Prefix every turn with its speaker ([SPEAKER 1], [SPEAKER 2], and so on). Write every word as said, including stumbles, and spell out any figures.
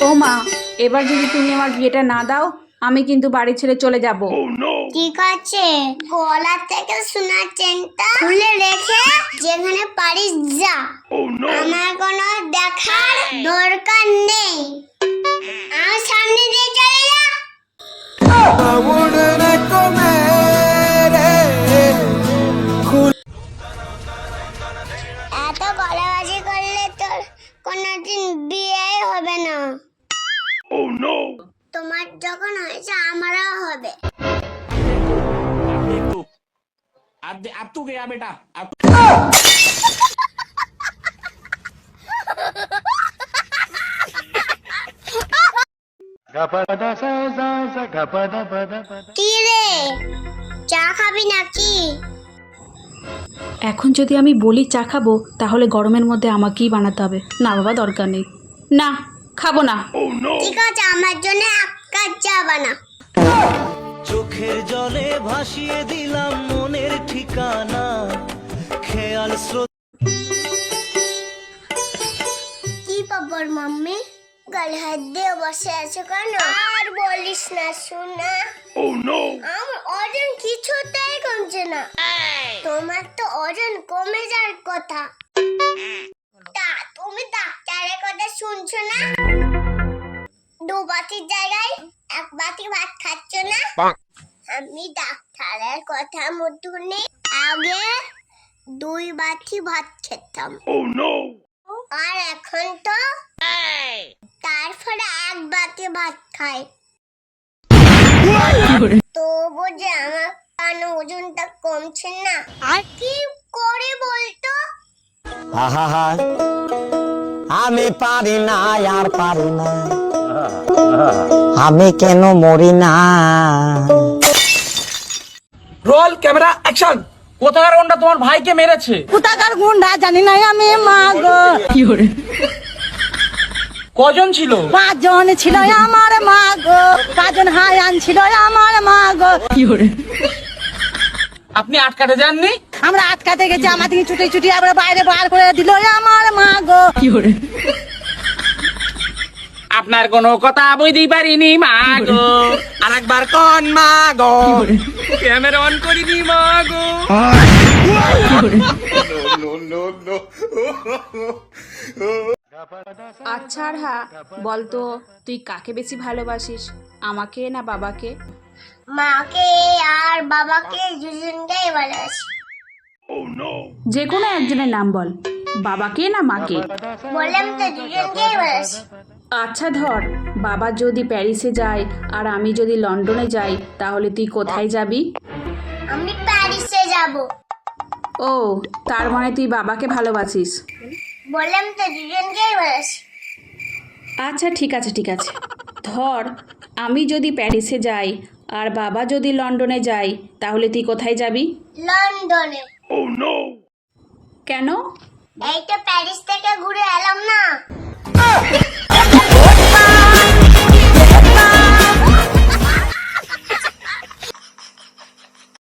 [SPEAKER 1] ও মা, এবার যদি তুমি আমার বিয়েটা না দাও আমি কিন্তু বাড়ি ছেড়ে চলে যাব।
[SPEAKER 2] ঠিক আছে, গলা থেকে সোনার চেনটা খুলে রেখে যেখানে পারিস যা, আমার কোনো দেখার দরকার নেই। আমার সামনে দিয়ে চলে যা। এত গলাবাজি করলে তোর কোনোদিন বিয়ে হবে না। তোমার যখন হয়েছে আমারও হবে।
[SPEAKER 3] अब अब तू गया बेटा अब
[SPEAKER 2] কি রে, চা খাবি নাকি?
[SPEAKER 1] এখন যদি আমি বলি চা খাবো তাহলে গরমের মধ্যে আমাকেই বানাতে হবে। না বাবা, দরকার নেই, না খাবো না।
[SPEAKER 2] ঠিক আছে, আমার জন্য এক কাপ চা বানা।
[SPEAKER 4] চোখের জলে ভাসিয়ে দিলাম মনের ঠিকানা খেয়াল স্রোত।
[SPEAKER 2] কি পাবর মাম্মি, গালে হাত দিয়ে বসে আছো কেন? আর বলিস না শোনা, আমার ওজন কিছুতেই কমছে না। তোমার তো ওজন কমে যাওয়ার কথা। তা তুমি ডাক্তারের কথা শুনছো না? দু বাটির জায়গায় এক বাটি ভাত খাচ্ছ না? আমি ডাক্তারের কথা মতো নেই, আগে দুই বাটি ভাত খেতাম, আর এখন তো তারপরে এক বাটি ভাত খাই। তবু যে আমার কেন ওজনটা কমছে না, আর কি করে বলতো?
[SPEAKER 4] আহা আমি পারি না আর পারি না, আমি কেন মরি না।
[SPEAKER 3] Roll camera action. কোথাকার গুন্ডা তোমার ভাইকে মেরেছে?
[SPEAKER 5] কোথাকার গুন্ডা জানি না আমি, মা গো।
[SPEAKER 3] কজন ছিল?
[SPEAKER 5] পাঁচজন ছিল আমার, মা গো। পাঁচজন হায়ান ছিল আমার, মা গো।
[SPEAKER 3] আপনি আটকাতে যাননি?
[SPEAKER 5] আমরা আটকাতে গেছি, আমার থেকে ছুটি ছুটি আমরা বাইরে বার করে দিল আমার, মা গো।
[SPEAKER 3] আপনার কোনো কথা বুঝতেই পারিনি মা গো। আরেকবার কোন মা গো, ক্যামেরা অন করিনি মা গো।
[SPEAKER 1] আচ্ছা আর হ্যাঁ, বলতো তুই কাকে বেশি ভালোবাসিস, আমাকে না বাবাকে?
[SPEAKER 2] মাকে আর বাবাকে দুজনকেই ভালোবাসি।
[SPEAKER 1] যে কোনো একজনের নাম বল, বাবাকে না মাকে?
[SPEAKER 2] বললাম তো দুজনকেই ভালোবাসি।
[SPEAKER 1] আচ্ছা ধর, বাবা যদি প্যারিসে যায় আর আমি যদি লন্ডনে যাই তাহলে তুই কোথায় যাবি?
[SPEAKER 2] আমি প্যারিসে যাব।
[SPEAKER 1] ও, তার মানে তুই বাবাকে ভালোবাসিস।
[SPEAKER 2] বললাম তো দুজনকেই ভালোবাসি।
[SPEAKER 1] আচ্ছা ঠিক আছে ঠিক আছে, ধর আমি যদি প্যারিসে যাই আর বাবা যদি লন্ডনে যায় তাহলে তুই কোথায় যাবি?
[SPEAKER 2] লন্ডনে।
[SPEAKER 1] কেন?
[SPEAKER 2] এই তো প্যারিস থেকে ঘুরে এলাম না।